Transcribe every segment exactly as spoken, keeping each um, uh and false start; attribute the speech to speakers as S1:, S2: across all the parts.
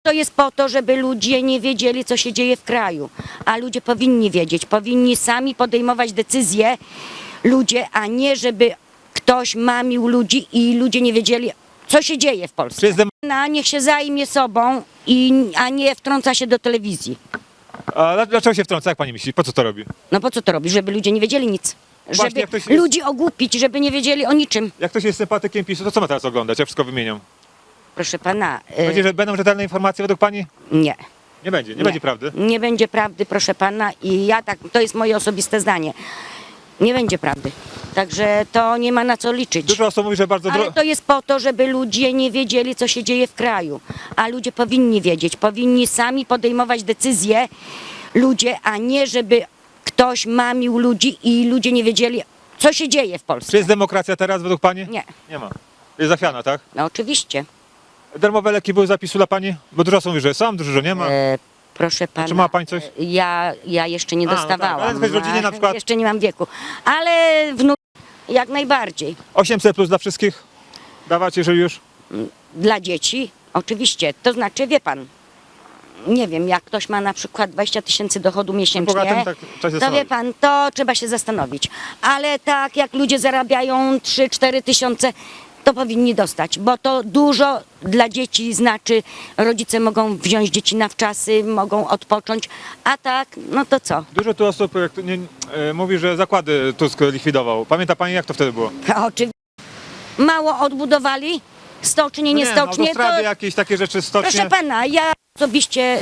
S1: To jest po to, żeby ludzie nie wiedzieli, co się dzieje w kraju, a ludzie powinni wiedzieć, powinni sami podejmować decyzje, ludzie, a nie żeby ktoś mamił ludzi i ludzie nie wiedzieli, co się dzieje w Polsce.
S2: Czy jest dem-
S1: Na niech się zajmie sobą, i, a nie wtrąca się do telewizji.
S2: A dla- dlaczego się wtrąca, jak pani myśli? Po co to robi?
S1: No po co to robi? Żeby ludzie nie wiedzieli nic.
S2: Właśnie,
S1: Żeby
S2: jak ktoś jest-
S1: ludzi ogłupić, żeby nie wiedzieli o niczym.
S2: Jak ktoś jest sympatykiem PiSu, to co ma teraz oglądać? Jak wszystko wymienią?
S1: Proszę pana, y,
S2: Będzie, że będą rzetelne informacje według pani?
S1: nie.
S2: Nie będzie, nie,
S1: Nie.
S2: będzie prawdy.
S1: Nie będzie prawdy, proszę pana, i ja tak, to jest moje osobiste zdanie. Nie będzie prawdy. Także to nie ma na co liczyć.
S2: Dużo osób mówi, że bardzo
S1: Ale
S2: dro-
S1: to jest po to, żeby ludzie nie wiedzieli, co się dzieje w kraju. A ludzie powinni wiedzieć, powinni sami podejmować decyzje, ludzie, a nie żeby ktoś mamił ludzi i ludzie nie wiedzieli, co się dzieje w
S2: Czy
S1: Polsce.
S2: jest demokracja teraz według pani?
S1: Nie,
S2: Nie ma. Jest zachwiana, tak?
S1: no oczywiście.
S2: Darmowe leki były zapisu dla pani? Bo dużo osób mówi, że są, dużo, że nie ma.
S1: E, proszę pana.
S2: czy ma pani coś?
S1: Ja, ja jeszcze nie
S2: A, no tak,
S1: dostawałam.
S2: ale w rodzinie na przykład-
S1: Jeszcze nie mam wieku. Ale wnuk jak najbardziej.
S2: osiemset plus dla wszystkich dawać, jeżeli już?
S1: Dla dzieci, oczywiście. To znaczy, wie pan, nie wiem, jak ktoś ma na przykład dwadzieścia tysięcy dochodu miesięcznie,
S2: bogatym tak trzeba się
S1: to wie
S2: zastanowić.
S1: pan, to trzeba się zastanowić. Ale tak jak ludzie zarabiają trzy cztery tysiące, to powinni dostać, bo to dużo dla dzieci znaczy, rodzice mogą wziąć dzieci na wczasy, mogą odpocząć, a tak, no to co?
S2: Dużo tu osób jak to nie, e, mówi, że zakłady Tusk likwidował. Pamięta pani, jak to wtedy było?
S1: Oczywiście. Mało odbudowali, stocznie, nie,
S2: no,
S1: stocznie,
S2: autostrady,
S1: to
S2: jakieś takie rzeczy, stocznie.
S1: proszę pana, ja osobiście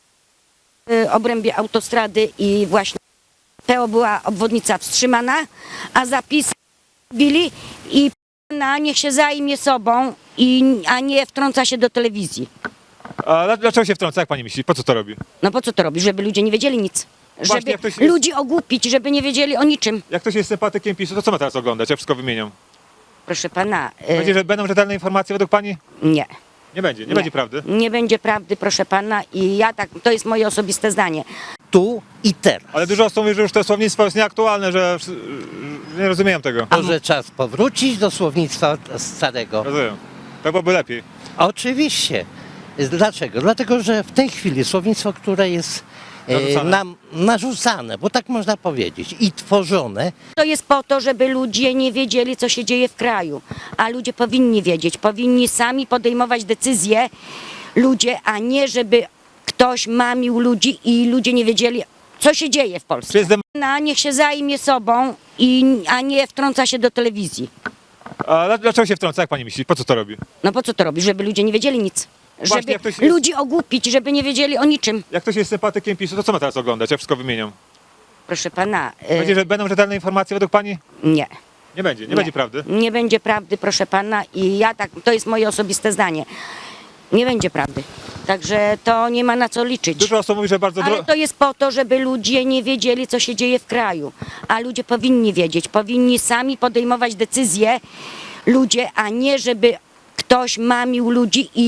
S1: w obrębie autostrady i właśnie P O była obwodnica wstrzymana, a zapisy bili i pana niech się zajmie sobą, i, a nie wtrąca się do telewizji.
S2: A dla- dlaczego się wtrąca, jak pani myśli? Po co to robi?
S1: No po co to robi? Żeby ludzie nie wiedzieli nic.
S2: Właśnie,
S1: Żeby
S2: jak ktoś jest-
S1: ludzi ogłupić, żeby nie wiedzieli o niczym.
S2: Jak ktoś jest sympatykiem PiSu, to co ma teraz oglądać? Jak wszystko wymienią?
S1: Proszę pana, y,
S2: Będzie, że będą rzetelne informacje według pani?
S1: nie.
S2: Nie będzie, nie,
S1: Nie.
S2: będzie prawdy.
S1: Nie będzie prawdy, proszę pana, i ja tak, to jest moje osobiste zdanie.
S3: Tu i teraz.
S2: Ale dużo osób mówi, że już to słownictwo jest nieaktualne, że że nie rozumieją tego.
S3: Może czas powrócić do słownictwa starego?
S2: Rozumiem. To byłoby lepiej.
S3: Oczywiście. Dlaczego? Dlatego, że w tej chwili słownictwo, które jest e,
S2: Narzucane.
S3: nam narzucane, bo tak można powiedzieć, i tworzone,
S1: To jest po to, żeby ludzie nie wiedzieli, co się dzieje w kraju, a ludzie powinni wiedzieć, powinni sami podejmować decyzje, ludzie, a nie żeby ktoś mamił ludzi i ludzie nie wiedzieli, co się dzieje w
S2: Czy
S1: Polsce.
S2: jest dem-
S1: Na niech się zajmie sobą, i, a nie wtrąca się do telewizji.
S2: A dla- dlaczego się wtrąca, jak pani myśli? Po co to robi?
S1: No po co to robi? Żeby ludzie nie wiedzieli nic.
S2: Właśnie,
S1: Żeby
S2: jak ktoś jest-
S1: ludzi ogłupić, żeby nie wiedzieli o niczym.
S2: Jak ktoś jest sympatykiem PiSu, to co ma teraz oglądać? Jak wszystko wymienią?
S1: Proszę pana, y,
S2: Będzie, że będą rzetelne informacje według pani?
S1: nie.
S2: Nie będzie, nie,
S1: Nie.
S2: będzie prawdy.
S1: Nie będzie prawdy, proszę pana, i ja tak, to jest moje osobiste zdanie. Nie będzie prawdy. Także to nie ma na co liczyć.
S2: Dużo osób mówi, że bardzo
S1: Ale
S2: dro-
S1: to jest po to, żeby ludzie nie wiedzieli, co się dzieje w kraju, a ludzie powinni wiedzieć, powinni sami podejmować decyzje, ludzie, a nie żeby ktoś mamił ludzi i